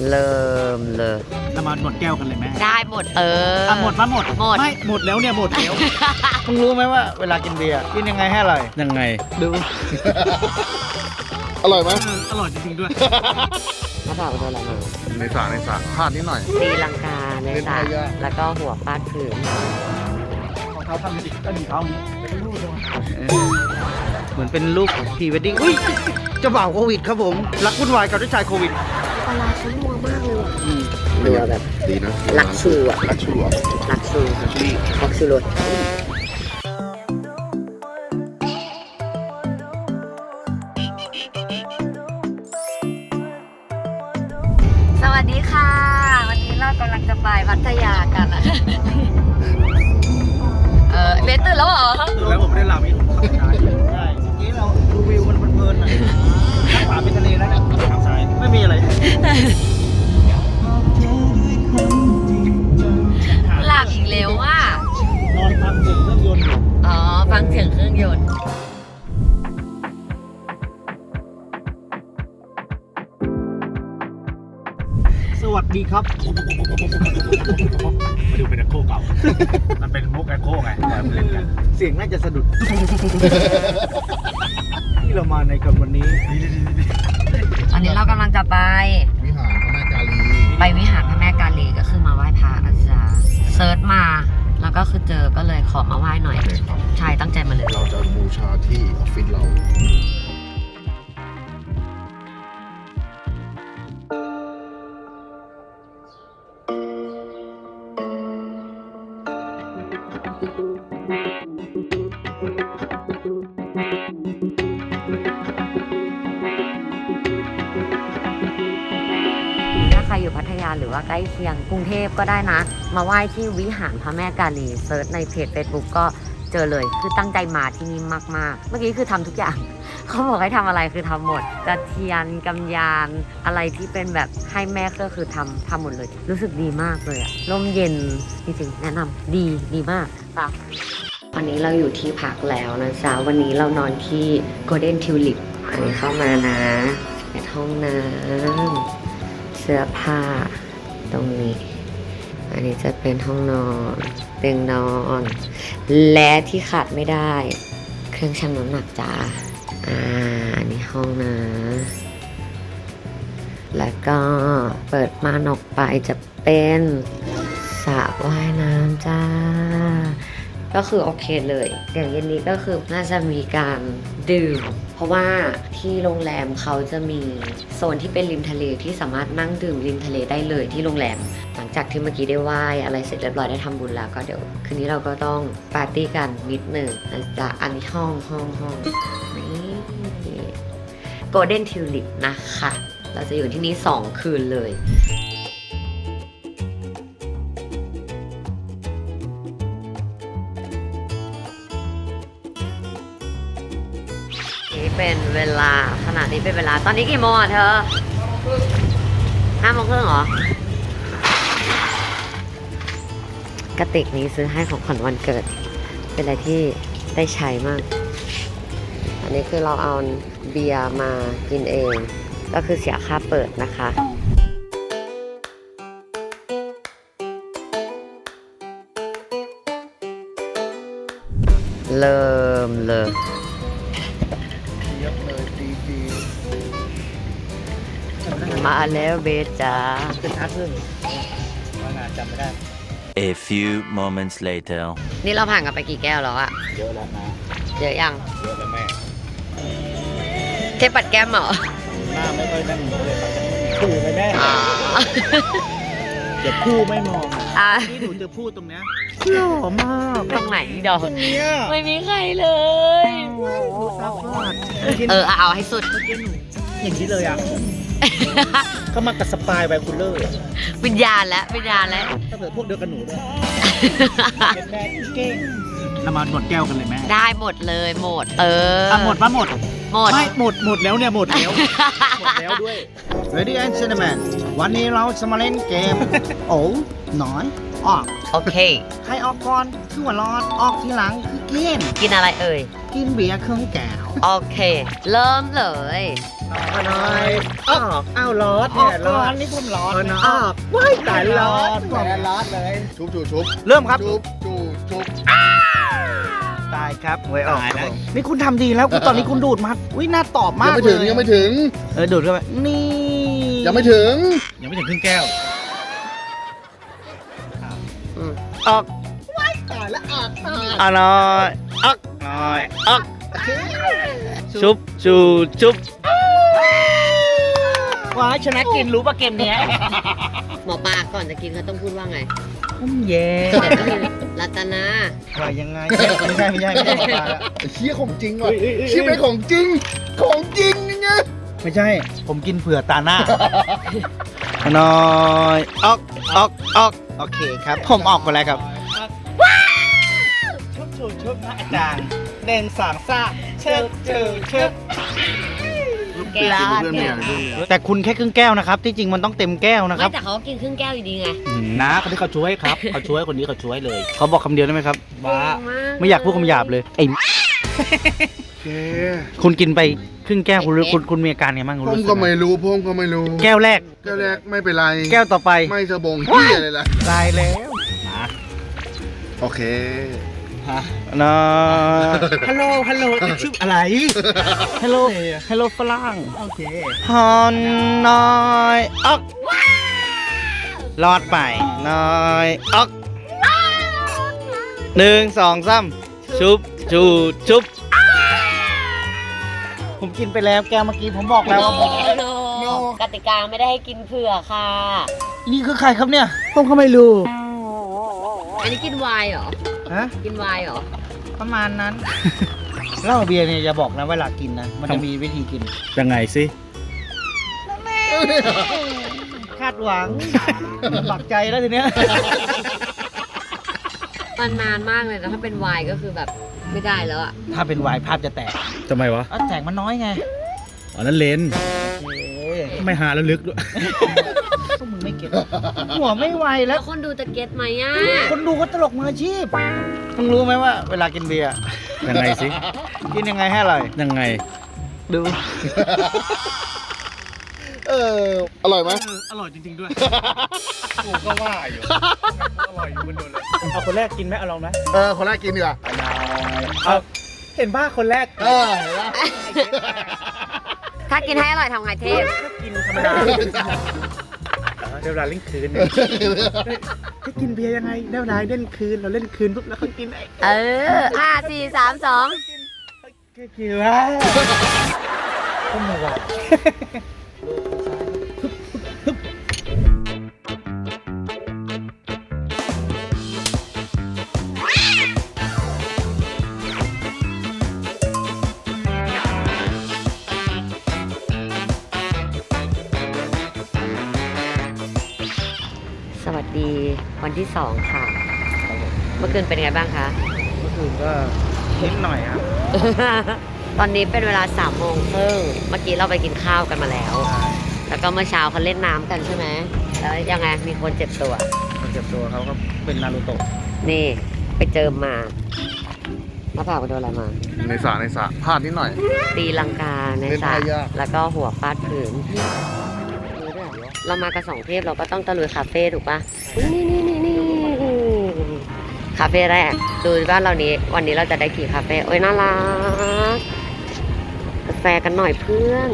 เริ่มเลยเรามาหมดแก้วกันเลยไหมได้หมดหมดมาหมดไม่หมดแล้วเนี่ยหมดแล้วมึงรู้ไหมว่าเวลากินเบียร์กินยังไงให้อร่อยยังไงดูอร่อยไหมอร่อยจริงๆด้วยถ้าถามว่าอะไรมาในสระพลาดนิดหน่อยตีลังกาในสระแล้วก็หัวฟาดพื้นของเขาทำสิก็ดีเขาเป็นรูปเหมือนเป็นรูปพรีเวดดิ้งอุ้ยเจ้าบ่าวโควิดครับผมรักวุ่นวายกับเจ้าชายโควิดปลาร้าเขานัวมากเลยว่ะนัวแบบดีนะลักชูอ่ะลักชูอ่ะลักชูรสสวัสดีค่ะ วันนี้เรากำลังจะไปพัทยากันอะเบสตื่นแล้วเหรอตื่นแล้วผมไม่ได้หลับอีกใช่เมื่อกี้เราดูวิวมันเพลินๆหน่อยข้างขวาเป็นทะเลแล้วนะข้างซ้ายไม่มีอะไรหลับอีกแล้วว่ะนอนฟังเสียงเครื่องยนต์อยู่อ๋อ ฟังเสียงเครื่องยนต์สวัสดีครับมาดูเป็นแอคโคเก่ามันเป็นมุกแอคโคไงเล่นกันเสียงน่าจะสะดุดที่เรามาในกันวันนี้ตอนนี้เรากำลังจะไปวิหารพระแม่กาลีไปวิหารพระแม่กาลีก็คือมาไหว้พระนะจ๊ะเซิร์ชมาแล้วก็คือเจอก็เลยขอมาไหว้หน่อยเลยครับใช่ตั้งใจมาเลยเราจะบูชาที่ออฟฟิศเราถ้าใครอยู่พัทยาหรือว่าใกล้เคียงกรุงเทพก็ได้นะ มาไหว้ที่วิหารพระแม่กาลีเซิร์ชในเพจ Facebook ก็เจอเลยคือตั้งใจมาที่นี่มากๆ เมื่อกี้คือทำทุกอย่าง เขาบอกให้ทำอะไรคือทำหมดกระเทียนกำยานอะไรที่เป็นแบบให้แม่ก็คือทำหมดเลย รู้สึกดีมากเลยอะร่มเย็นจริงๆแนะนำดีมากป่ะวันนี้เราอยู่ที่พักแล้วนะจ๊ะวันนี้เรานอนที่ Golden Tulip อันนี้เข้ามานะเป็นห้องน้ำเสื้อผ้าตรงนี้ อันนี้จะเป็นห้องนอนเตียงนอน และที่ขาดไม่ได้ เครื่องชั่งน้ำหนักจ้าอันนี้ห้องนะแล้วก็เปิดม่านออกไปจะเป็นสระว่ายน้ำจ้าก็คือโอเคเลยอย่างเย็นนี้ก็คือน่าจะมีการดื่มเพราะว่าที่โรงแรมเขาจะมีโซนที่เป็นริมทะเลที่สามารถนั่งดื่มริมทะเลได้เลยที่โรงแรมหลังจากที่เมื่อกี้ได้ไหว้อะไรเสร็จเรียบร้อยได้ทำบุญแล้วก็เดี๋ยวคืนนี้เราก็ต้องปาร์ตี้กันนิดหนึ่งนะจ๊ะอันนี้ห้องนี่ Golden Tulip นะคะเราจะอยู่ที่นี่2 คืนเลยนี่เป็นเวลาขณะนี้เป็นเวลาตอนนี้กี่โมงอ่ะเธอ5 โมงครึ่งเหรอกระติกนี้ซื้อให้ของขวัญวันเกิดเป็นอะไรที่ได้ใช้มากอันนี้คือเราเอาเบียร์มากินเองก็คือเสียค่าเปิดนะคะเริ่มเลยเยอะเลยดีมาแล้วเบสจ้าเป็นทักเรื่องว่างานจำไม่ได้ A few moments later นี่เราผ่านกันไปกี่แก้วแล้วอะเยอะแล้วนะเยอะยังเยอะแล้วแม่เทปัดแก้มเหรอหน้าไม่ค่อยนั่นเลยถูไปแม่อ๋อเดี๋ยวพูดไม่มองอ่ะนี่หนูจะพูดตรงเนี้ยหล่อมากตรงไหนดอกเนี่ยไม่มีใครเลยซับพอดเอาให้สุดเมื่อกี้หนูอย่างนี้เลยอ่ะ ก็มากับสปายไวคูลเลอร์วิญญาณแล้วถ้าเกิดพวกเดียวกันหนูด้วยเป็นแม่เก่งเรามาหมดแก้วกันเลยแม่ได้หมดเลยหมดหมดมาหมดหมดไม่หมดแล้วเนี่ยหมดแล้ว หมดแล้วด้วย Ready and gentlemen วันนี้เราจะมาเล่นเกม โอ้น้อยออกโอเคใครออกก่อนคือหัวร้อนออกทีหลังคือกินกินอะไรเอ่ยกินเบียร์เครื่องแก้วโอเค เริ่มเลยน้อยออกอ้าวร้อนเนี่ยร้อนนี่ผมร้อนออกว้ายตายร้อนแหมร้อนเลยชุบชุบชุบเริ่มครับชุบชุบชุบตายครับหวยออกครับผมนี่คุณทำดีแล้วคุณตอนนี้คุณดูดมาอุ้ยน่าตอบยัมาง กไม่เลถึงยยังไม่ถึงดูดเข้าไปนี่ยังไม่ถึงยังไม่ถึงครึ่งแก้วอืมออกตายแล้วอาบน้อยออกน้อยออกชุบชูชุบว้าชนะกินรู้ป่ะเกมเนี้ยหมอปลาก่อนจะกินเขาต้องพูดว่าไงเย่เดี๋ยวต้องมีรัตนาว่ายังไงไม่ใช่ไม่ใช่หมอปลาแล้วเชี่ยของจริงว่ะเชี่ยเป็นของจริง ของจริงนี่ไงไม่ใช่ ผมกินเผื่อตาหน้าน้อยออกออกออกโอเคครับ ผมออกไปแล้วครับชุบชูชุบนะอาจารย์เด่นสางซ่าเชิบเชิบเชิบแก้วเพื่อนเมียเพื่อนเมียแต่คุณแค่ครึ่งแก้วนะครับ ที่จริงมันต้องเต็มแก้วนะคไม่รับแต่เขาก็กินครึ่งแก้วอยู่ดีไงนะคนที่เขาช่วยครับ เขาช่วยคนนี้เขาช่วยเลย เขาบอกคำเดียวได้ไหมครับว่าเก่งกไม่อยากพูดคำหยาบเลยไอ้แกคุณกินไปครึ่งแก้วคุณมีอาการไงบ้างผคุณมรู้สึก็กไม่รู้ผมก็ไม่รู้แก้วแรกแก้วแรกไม่เป็นไรแก้วต่อไปไม่สะบงเฮียเลยล่ะตายแล้วมาโอเคนะฮัลโหลฮัลโหลชื่ออะไรฮัลโหลฮัลโหลฝรั่งโอเคฮอนน้อยออกรอดไปน้อยออก1 2 3ชุบชูชุบผมกินไปแล้วแก้วเมื่อกี้ผมบอกแล้วว่าโนกติกาไม่ได้ให้กินเผื่อค่ะนี่คือใครครับเนี่ยผมก็ไม่รู้อันนี้กินไวน์เหรอฮะกินไวน์เหรอประมาณนั้น เหล้าเบียร์เนี่ยอย่าบอกนะเวลากินนะ มันจะมีวิธีกินยังไงสิคาดหวัง ปักใจแล้วทีเนี้ยมันนานมากเลยนะถ้าเป็นไวน์ก็คือแบบไม่ได้แล้วอะถ้าเป็นวายภาพจะแตกทำไมวะแตกมันน้อยไงอ๋อนั่นเลนเอ้ยไม่หาแล้วลึกด้วยพวกมึงไม่เก็ตหัวไม่ไวแล้แล้ว วคนดูจะเก็ตไหมอะคนดูก็ตลกมืออาชีพมึงรู้ไหมว่าเวลากินเบียร์ยังไงสิกินยังไงให้อร่อยยังไงดูอร่อยไหมอร่อยจริงๆด้วยกูก็ว่าอยู่อร่อยอยู่บนโดนเลยเอาคนแรกกินไหมเอาลองไหมคนแรกกินดีกว่าเอาเห็นป่ะคนแรกเห็นปะถ้ากินให้อร่อยทำไงเทพกินธรรมดาเดี๋ยวเวลาเล่นคืนเนี่ยจะกินเบียร์ยังไงเดี๋ยวเวลาเล่นคืนเราเล่นคืนปุ๊บแล้วเขากินไอ้เออ5 4 3 2 แค่กินว่าก็ไม่ไหวสวัสดีวันที่ 2 ค่ะ เมื่อคืนเป็นไงบ้างคะเมื่อคืนก็นิดหน่อยครับตอนนี้เป็นเวลา3 โมงครึ่งเมื่อกี้เราไปกินข้าวกันมาแล้ว แล้วก็เมื่อเช้าเขาเล่นน้ำกันใช่ไหม แล้วยังไงมีคนเจ็บตัวคนเจ็บตัวเขาก็เป็นนารูโตะนี่ไปเจอมาหน้าผากไปโดนอะไรมาในสระพลาดนิดหน่อยตีลังกาในเล่นสระท่ายากแล้วก็หัวฟาดพื้นเรามากับ2 เทพเราก็ต้องตะลุยคาเฟ่ถูกปะนี่คาเฟ่แรกดูว่าวันนี้เราจะได้กี่คาเฟ่โอ้ยน่ารักกาแฟกันหน่อยเพื่อน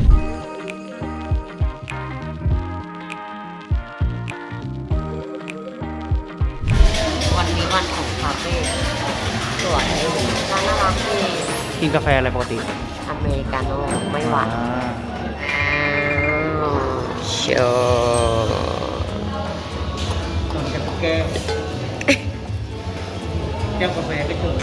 วันนี้วันของคาเฟ่สวยน่ารักดีกินกาแฟอะไรปกติอเมริกาโน่ไม่หวาน โชว์เหมือนกันทุกแก้วแก้วกาแฟก็เจอ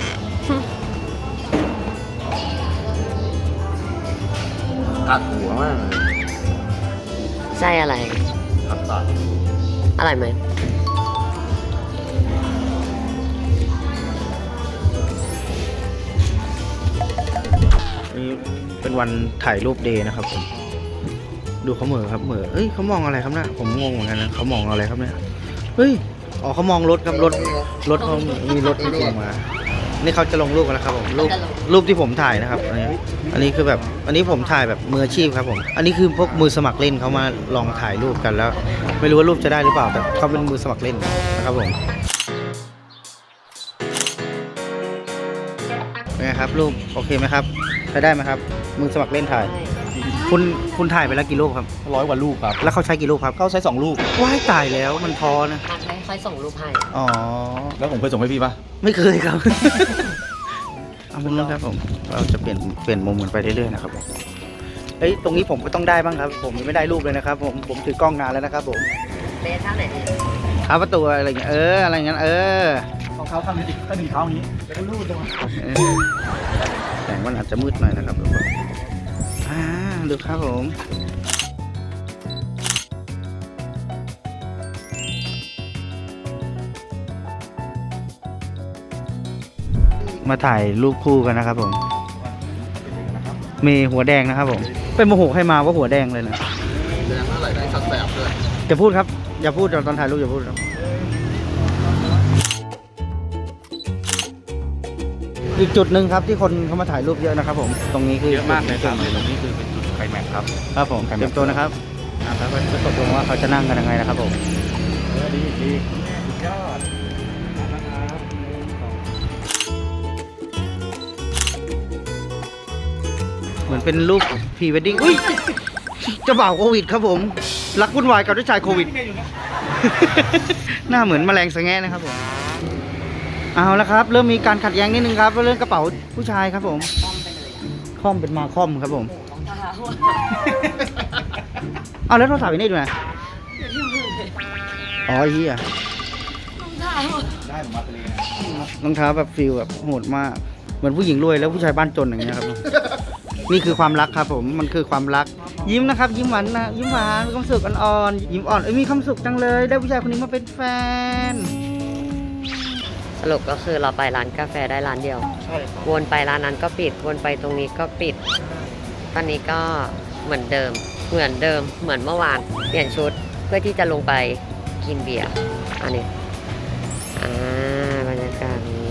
ตัดหัวมากเลยไส้อะไรตัดอร่อยไหมนี่เป็นวันถ่ายรูปเดย์นะครับผมดูเขาเหม่อครับเหม่อเอ้ยเขามองอะไรครับเนี่ยผมงงเหมือนกันนะเขามองอะไรครับเนี่ยเฮ้ยอ๋อเขามองรถครับรถเขามีรถที่ลงมานี่เขาจะลงรูปกันแล้วครับผมรูปที่ผมถ่ายนะครับอันนี้คือแบบอันนี้ผมถ่ายแบบมืออาชีพครับผมอันนี้คือพวกมือสมัครเล่นเขามาลองถ่ายรูปกันแล้ว ไม่รู้ว่ารูปจะได้หรือเปล่าแต่เขาเป็นมือสมัครเล่นนะครับผมเป็นไงครับรูปโอเคไหมครับใช้ได้ไหมครับมือสมัครเล่นถ่าย คุณถ่ายไปแล้วกี่รูปครับ 100 กว่าลูกครับแล้วเขาใช้กี่รูปครับเขาใช้2 ลูกว้ายตายแล้วมันพอนะนัดไม่ค่อยส่งรูปให้อ๋อแล้วผมเคยส่งให้พี่ปะไม่เคยครับ เอามุมนั้นครับผม เราจะเปลี่ยนมุมกันไปเรื่อยๆนะครับผมเฮ้ย ตรงนี้ผมก็ต้องได้บ้างครับ ผมยังไม่ได้รูปเลยนะครับ ผมถือกล้องนานแล้วนะครับผมเบสท่าไหนดีเท้าประตูอะไรอย่างเงี้ย อะไรอย่างเงี้ยเท้าข้างนี้ก็1 เท้าอย่างนี้ แล้วก็ลูดลงมาแสงมันอาจจะมืดหน่อยนะครับทุกคนดูครับผม มาถ่ายรูปคู่กันนะครับผม มีหัวแดงนะครับผมเป็นโมโหให้มาว่าหัวแดงเลยนะแดงอะไรได้สักแสบด้วยอย่าพูดครับ อย่าพูดตอนถ่ายรูปอย่าพูดครับอีกจุดหนึ่งครับที่คนเขามาถ่ายรูปเยอะนะครับผมตรงนี้คือเยอะมากเลยครับตรงนี้คือเป็นจุดไคลแม็กซ์ครับครับผมเตรียมตัวนะครับแล้วก็จะตกลงว่าเขาจะนั่งกันยังไงนะครับผมดีสุดยอดเหมือนเป็นรูปพรีเวดดิ้งอุ้ยเจะบ่าวโควิดครับผมรักวุ่นวายกับเจ้าชายโควิด หน้าเหมือนแมลงสะแงะนะครับผมเอาละครับเริ่มมีการขัดแย้งนิดนึงครับเรื่องกระเป๋าผู้ชายครับผมค่อมเป็นมาค่อมครับผมเอาแล้วโทรศัพท์อยู่นี่ดูนะอ๋อเฮียได้ผมมาทะเลนะรองเท้าแบบฟิลแบบโหดมากเหมือนผู้หญิงรวยแล้วผู้ชายบ้านจนอย่างเงี้ยครับ นี่คือความรักครับผมมันคือความรักยิ้มนะครับยิ้มหวานนะยิ้มหวานมีความสุขอ่อนๆยิ้มอ่อนมีความสุขจังเลยได้ผู้ชายคนนี้มาเป็นแฟนสรุปก็คือเราไปร้านกาแฟได้ร้านเดียวใช่ครับวนไปร้านนั้นก็ปิด วนไปตรงนี้ก็ปิด ตอนนี้ก็เหมือนเดิม เหมือนเดิม เหมือนเมื่อวาน เปลี่ยนชุดเพื่อที่จะลงไปกินเบียร์ อันนี้บรรยากาศนี้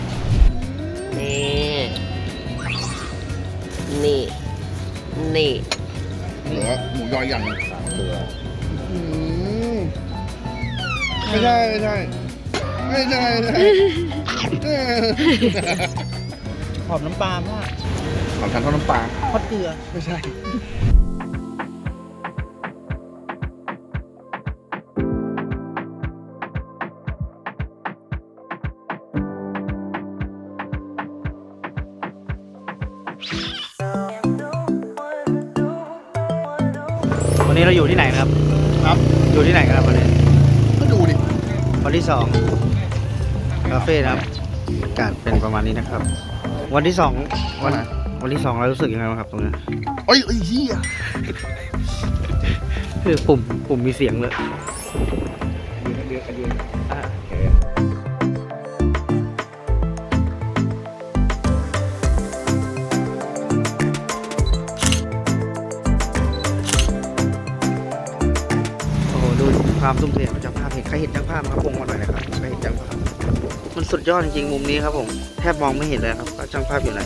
นี่ นี่เหลือหมูยออย่างเหลือไม่ใช่ไม่ใช่ไม่ใช่ไม่ใช่หอมน้ำปลามากของฉันเท่าน้ำปลาทอดเกลือไม่ใช่วันนี้เราอยู่ที่ไหนนะครับครับอยู่ที่ไหนกันครับวันนี้ก็ดูดิวันที่2คาเฟ่นะครับอากาศเป็นประมาณนี้นะครับ วันที่2วันที่2เรารู้สึกยังไงบ้างครับตรงนี้เอ้ยเฮียคือปุ่มมีเสียงเลยโอ้โหดูความทุ่มเทของเจ้าภาพใครเห็นเจ้าภาพครับวงมาหน่อยนะครับใครเห็นเจ้าภาพมันสุดยอดจริงๆมุมนี้ครับผมแทบมองไม่เห็นเลยครับว่าเจ้าภาพอยู่ไหน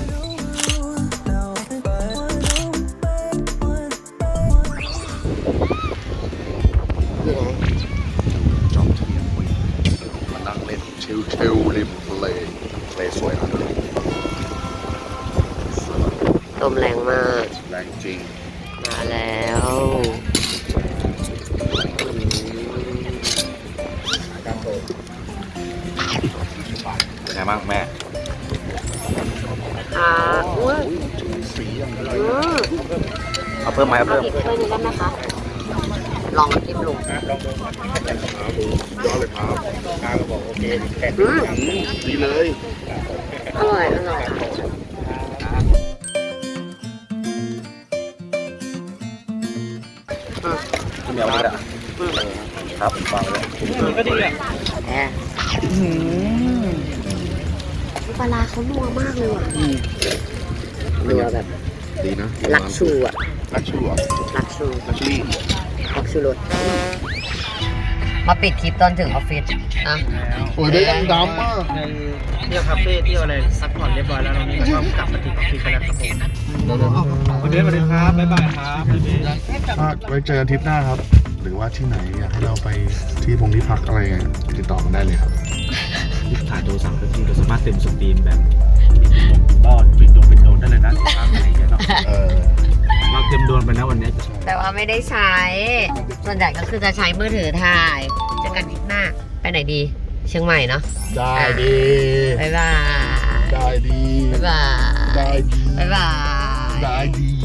จอมเทียนมานั่งเล่นชิลๆริมทะเลทะเลสวยนะลมแรงมากแรงจริงมาแล้วเป็นไงบ้างแม่อุ้ยสีอย่างไรเอาเพิ่มไหมเอาเอาเพิ่มอีกถ้วยหนึงได้ไหมคะ ลองจิ้มลงย้อนเลยครับข้าก็บอกโอเคดีเลยอร่อยค่ะคุณเดี๋ยวเลยครับวางเลยก็ดีอ่ะแหมปลาร้าเขานัวมากเลยอ่ะนัวแบบดีนะลักชูอ่ะลักชูอ่ะลักชูลักชูรี่ลักชูรสมาปิดคลิปตอนถึงออฟฟิศอ่ะโอ้ยได้ยังดำมากในเที่ยวคาเฟ่เที่ยวอะไรซักผ่อนเรียบร้อยแล้วตรงนี้ก็กลับมาที่ออฟฟิศกันแล้วครับผมสวัสดีครับบ๊ายบายครับบ๊ายบายไว้เจอกันทริปหน้าครับ หรือว่าที่ไหนอยากให้เราไปที่พักอะไรไงติดต่อกันได้เลยครับที่ถ่ายโทรศัพท์ก็คือเราสามารถเต็มสตรีมแบบบ้อนเป็นโดนได้เลยนะทางอะไรอย่างเงี้ยเนาะ เราเต็มโดนไปนะวันนี้แต่ว่าไม่ได้ใช้ ส่วนใหญ่ก็คือจะใช้มือถือถ่ายเจอกันทริปหน้า ไปไหนดี เชียงใหม่เนาะได้ดีบ๊ายบายได้ดีบ๊ายบายได้ดีบ๊ายบายได้ดี